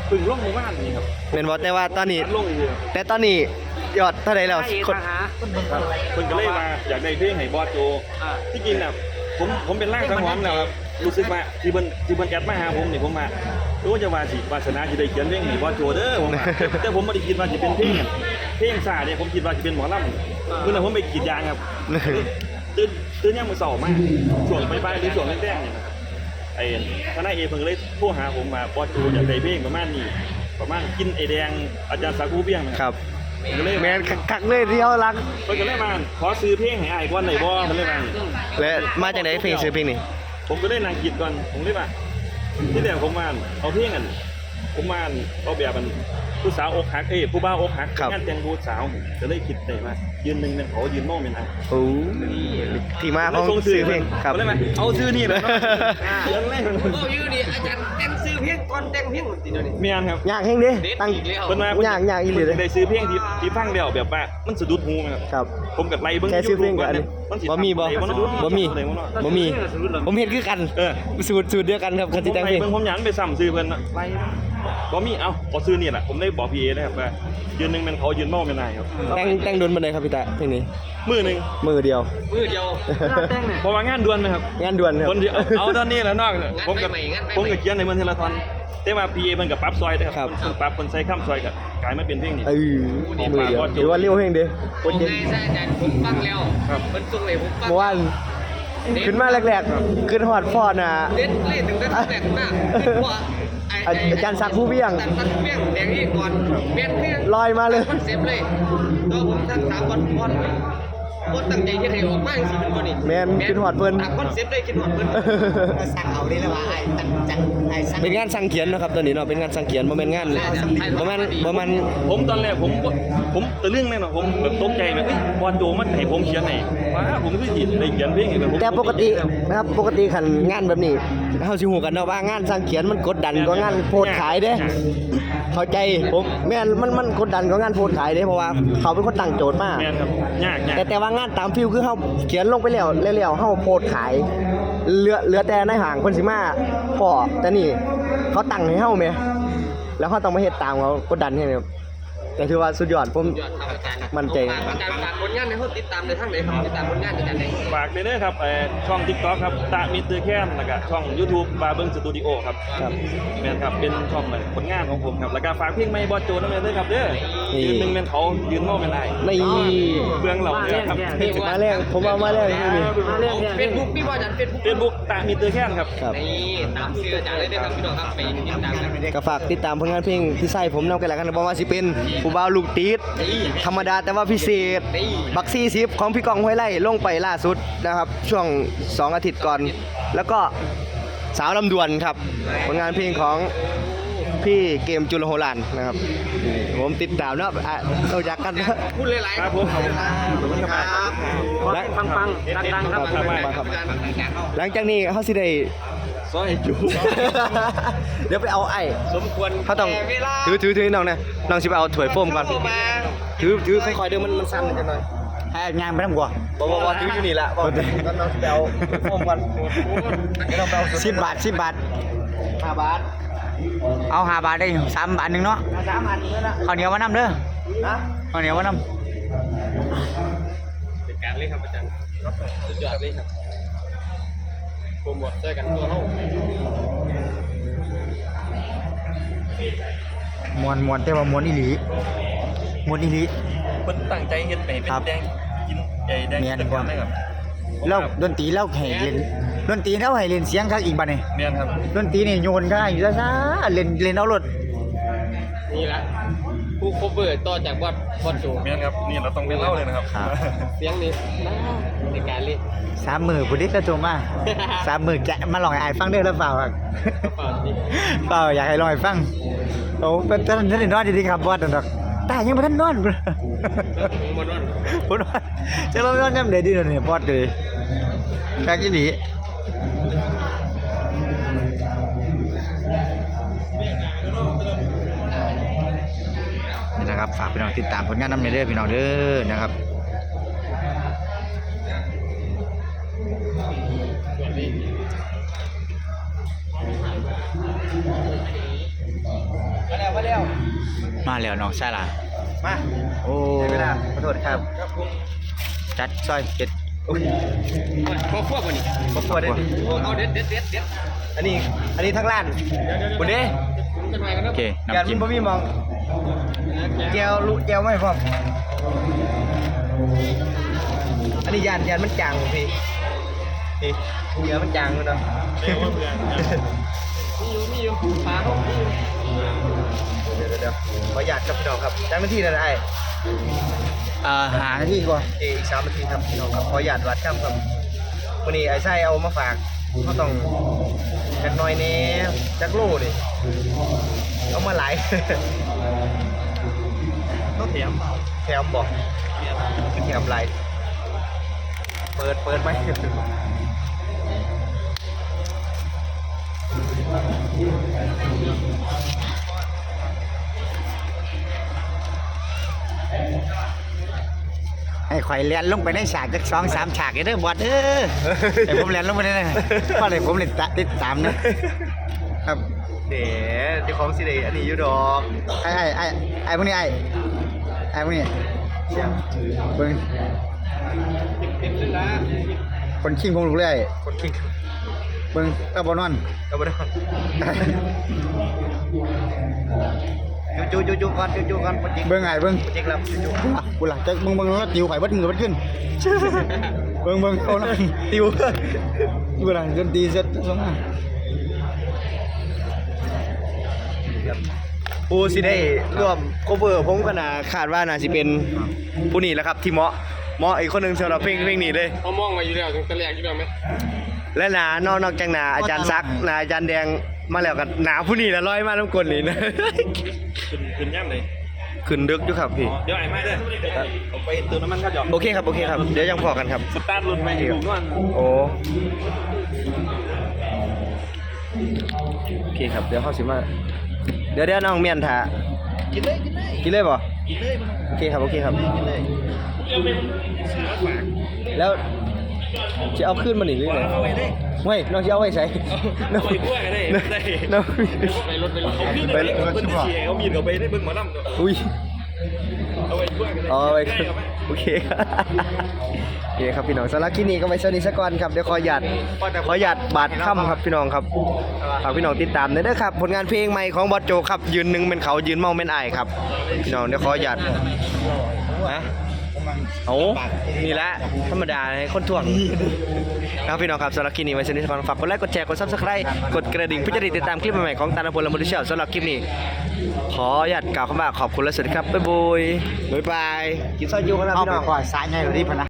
พึ่งลงหมู่บ้านนี่ครับเป็นบ่แต่ว่าตอนนี้ลงอยู่แต่ตอนนี้ยอดเท่าไหร่แล้วคนเพิ่นก็เลยมาอยากได้เพลงให้บอสโจที่จริงน่ะผมเป็นร่างสังหรณ์แล้วครับรู้สึกว่าที่เพิ่นแอดมาหาผมนี่ผมมารู้จะว่าสิวาสนาสิได้เขียนเพลงให้บอสโจเด้อผมว่าแต่ผมบ่ได้คิดว่าสิเป็นเพลงซ่าเนี่ยผมคิดว่าสิเป็นหมอลำมื้อนั้นผมไปกรีดยางครับตื่นยามมื้อเช้ามาช่วงบ่ายๆหรือช่วงแรกๆเนี่ยนะครับไอ้ทนายเอเพิ่นเลยโทรหาผมมาบอสโจอยากได้เพลงประมาณนี้ประมาณกินไอแดงอาจารย์สาคูเบี้ยงนะครับแมนคักเลยที่เขารักเพิ่นก็เลยมาขอซื้อเพลงให้อ้ายก่อนได้บ่มันเลยมาและมาจากไหนเพลงซื้อเพลงนี่ผมก็ได้นางคิดก่อนผมเลยว่าที่แรกผมมาเอาเพลงกันผมมาเอาแบบมันผู้สาวอกหักผู้บ่าวอกหักงานแต่งผู้สาวก็เลยคิดได้ว่ายืนหนึ่งเนี่ยเขายืนโม่เป็นอะไรโอ้ที่มาเขาซื้อเพลงครับเลยมาเอาซื้อนี่เลยเรื่องแรกโอ้ยนี่อาจารย์แต่งซื้อเพลงก่อนแต่งเพลงติดเลยเมียนครับอยากเพลงดิตั้งเป็นมาอยากอีหลีเลยได้ซื้อเพลงที่ฟังเดียวแบบว่ามันสะดุดหูครับผมกับไรเบิ้งแค่ซื้อเพลงกันบ่มีผมเห็นคือกันสูตรเดียวกันครับคันที่แต่งเพลงผมอยากไปซ้ำซื้อเพิ่นไรบ่มีเอาซื้อนี่แหละผมได้บอกพี่เอนะครับว่ายืนหนึ่งเป็นเขายืนเมาเป็นนายครับแต่งโดนบันไดครับพี่ตาเพลงนี้มือหนึ่งมือเดียวแต่งเนี่ยเพราะว่างานด่วนไหมครับงานด่วนครับคนเดียวเอาตอนนี้แล้วนอกผมกับเขียนในเมืองเทเลทอนแต่ว่าพีเอมันกับปั๊บซอยนะครับปั๊บคนใส่ข้ามซอยกับกลายมาเป็นเพลงนี้มือเดียวหรือว่าเลี้ยวเพลงดิผมไงซะอาจารย์ผมฟังแล้วมันตรงไหนผมฟังเมื่อวานขึ้นมาแรกๆขึ้นฮอดฟอดน่ะเล่นถึงได้แรกมากขึ้นว่าอาจารย์ซักผู้เบี้ยงแดงนี่ก่อนเป็นเพียงลอยมาเลยคอนเซ็ปต์เลยตัวผมทั้ง3วันตั้งใจจะให้ออกมาสิเป็นคนนี้แมนคิดฮอดเพิ่นคอนเซ็ปต์ได้คิดฮอดเพิ่นสั่งเอาได้แล้วว่าไอ้เป็นงานสั่งเขียนนะครับตอนนี้เนาะเป็นงานสั่งเขียนบ่แม่นงานบ่แม่นผมตอนแรกผมตะลึงแน่นอนผมแบบตกใจแบบบอลโจมันให้ผมเขียนไหนว้าผมคือสิได้เขียนเพลงแต่ปกตินะครับปกติคันงานแบบนี้เฮาสิฮู้กันเนาะว่างานสั่งเขียนมันกดดันกว่างานโพสขายเด้เข้าใจผมแม่นมันกดดันกว่างานโพสขายเด้เพราะว่าเขาเป็นคนตั้งโจทย์มาแม่นครับยากแต่ว่างานตามฟิลคือเฮาเขียนลงไปแล้วเฮาโพสขายเหลือแต่ในห้างเพิ่นสิมาพอแต่นี่เขาตั้งให้เฮาแม่แล้วเฮาต้องมาเฮ็ดตามเขากดดันให้ครับแต่ถือว่าสุดยอดผมมั่นใจอาจารย์ฝากผลงานในห้องติดตามในทางไหนครับติดตามผลงานอาจารย์ไหนฝากเลยนะครับช่อง TikTok ครับตะมิสเตอร์แคนแล้วก็ช่อง YouTube บาเบิ้งสตูดิโอครับแม่นครับเป็นช่องผลงานของผมครับแล้วก็ฝากเพลงใหม่บอสโจนำด้วยครับเด้อยืนหนึ่งเป็นเขายืนโม่เป็นได้เบื้องเหล่านี้ครับมาแรกผมเอามาแรกนี่เฟซบุ๊กพี่บอสอาจารย์เฟซบุ๊กตะมิสเตอร์แคนครับนี่ตามชื่ออาจารย์เลยนะครับพี่น้องครับไปติดตามกันก็ฝากติดตามผลงานเพลงที่ใส่ผมนำกันแล้วกันบอกว่าสิเป็นผู้บ่าวลูกติดธรรมดาแต่ว่าพิเศษบักซี่ซิปของพี่กองห้วยไร่ลงไปล่าสุดนะครับช่วง2อาทิตย์ก่อนแล้วก็สาวลำดวนครับผลงานเพลงของพี่เกมจุลโหฬารนะครับผมติดตามนะเราอยากกันพูดหลายๆครับผมขอบคุณครับและฟังดังๆครับหลังจากนี้เขาสิได้ซอยจูเดี๋ยวไปเอาไอ้สมควรเขาต้องถือน้องนะน้องสิไปเอาถ้วยโฟมก่อนถือค่อยๆเดี๋ยวมันสั่นจังหน่อยให้งานไปทำกว่าบอกถืออยู่นี่แหละบอกน้องสิไปเอาโฟมก่อน10 บาท5 บาทเอา5 บาทได้3 บาทนึงเนาะ 3 บาทนึงนะข้าวเหนียวมานำเด้อข้าวเหนียวมานำเป็นการเล่นครับอาจารย์สุดยอดเลยครับโปรโมทช่วยกันตัวเฮามวนแต่ว่ามวนอีหลีเพิ่นตั้งใจเฮ็ดให้เป็นแดงกินแดงแต่ก่อนได้ครับแล้วดนตรีแล้วให้เล่นดนตรีแล้วให้เล่นเสียงคักอีกบัดนี้แม่นครับดนตรีนี่โยนก็อยู่ซ่าๆเล่นเอารถนี่ละผู้โคเวอร์ต่อจากบอสโจแม่นครับนี่เราต้องเป็นเล่าเลยนะครับเสียงนี้ในการเล่น 3 มื้อพุ่นดิตะโจมา3 มื้อแกะมาลองให้อ้ายฟังเด้อแล้วเปล่าครับเปล่าอยากให้ลองให้ฟังโอ้เป็นท่านนอนดีๆครับบอสดอกตายังบ่ทันนอนบ่นอนจะนอนยามใดดีเนี่ยบอสเลยคักอีหลีนี่นะครับฝากพี่น้องติดตามผลงานนำเด้อพี่น้องเด้อนะครับแล้วมาแล้วน้องชายล่ะมาโอ้ใช้เวลาขอโทษครับจัดซอยเป็ดพอควบกว่านี้ขอโทษด้วยเอาเด็ดอันนี้ทั้งร้านบุญเด้จะมากันโอนะเคยานน้ำมัจิ้นมบ่มีมองแก้วลุแก้วไม่พร้อมอันนี้ยานมันจางบ่พี่นี่เดี๋ยวมันจางเลยเนาะมีอยู่ปลาเขามีอยู่เดี๋ยวขอหยาดครับพี่น้องครับจังนาทีนะไอ้หาที่ก่อนอีก3 นาทีครับพี่น้องครับขอหยาดวัดครับครับวันนี้ไอ้ไส้เอามาฝากเขาต้องจักหน่อยแน่จักโลดิเอามาหลายต้องเถียมแถมบอกแถมไรเปิดไหมให้ข่อยเลียนลงไปในฉากจัก2-3ฉากเด้อบอสให้ผมเลียนลงไปได้เพราะอะไรผมเล่นติดตามนะครับเดี๋ยวที่ของสิเดอันนี้อยู่ดอกไอ้พวกนี้ไอ้พวกนี้เบิ่งเด็ดเลยนะคนขิงคงลูกเลยคนคิงเบิ่งตาบ่นอนเอาไปดอกจูก่อนจูก่อนปจิกเบิ่งไอ้เบิ่งปจิกแล้วจูกูล่ะจะมึงแล้วติวไข่เบิดมือเบิดขึ้นเบิ่งเอานะติวกูล่ะดนตรีเสร็จส่งมาผู้สิได้ร่วมโคเวอร์ผมก็น่าคาดว่าน่าสิเป็นผู้นี้แหละครับที่เหมาะอีกคนหนึงสำหรับเพลงนี้เลยเขามองมาอยู่แล้วตั้งแต่แรกอยู่แล้วไหมและนอกจากหนาอาจารย์ซักหนาอาจารย์แดงมาแล้วกันหนาผู้นี้ละร้อยมาน้ำกลนี่นะขึ้นย่ำเลยขึ้นดึกอยู่ครับพี่เดี๋ยวไอ้ไม่เด้อผมไปเติมน้ำมันครับหยอกโอเคครับเดี๋ยวยังพอกันครับสตาร์ทรถไปให้ลูกนวลโอเคครับเดี๋ยวเข้าสิมาเดี๋ยวน้องเมียนถากินเลยป่ะโอเคครับแล้วจะเอาขึ้นมาหนิหรือไงเอาไปเลยไม่น้องจะเอาไว้ใส่น้องไปด้วยกันได้ได้น้องไปรถเขาขึ้นไปเลยเพิ่นเสียเขามีดเขาไปได้เบิ่งหมอลำตัวอุ้ยเอาไปด้วยกันได้อ๋อไปได้เอาไหมโอเคครับโอเคครับพี่น้องสำหรับคลิปนี้ก็ไปสวัสดีสักก่อนครับเดี๋ยวขอหยัดบาดค่ำครับพี่น้องครับฝากพี่น้องติดตามด้วยนะครับผลงานเพลงใหม่ของบอสโจครับยืนหนึ่งเป็นเขายืนเมาเป็นไอายครับพี่น้องเดี๋ยวขอหยัดนะโอ้นี่แหละธรรมดาให้คนถ่วงนะครับพี่น้องครับสำหรับคลิปนี้ไว้สวัสดีสักก่อนฝากกดไลค์กดแชร์กด Subscribe กดกระดิ่งเพื่อจะได้ติดตามคลิปใหม่ๆของตาลพลและมอดิเชียลสำหรับคลิปนี้ขอหยัดกล่าวคำว่าขอบคุณและสวัสดีครับบ๊ายบายกินซอยยูกันนะเอาพี่ไปน้องก่อนสายใหญ่หรือดิพะนะ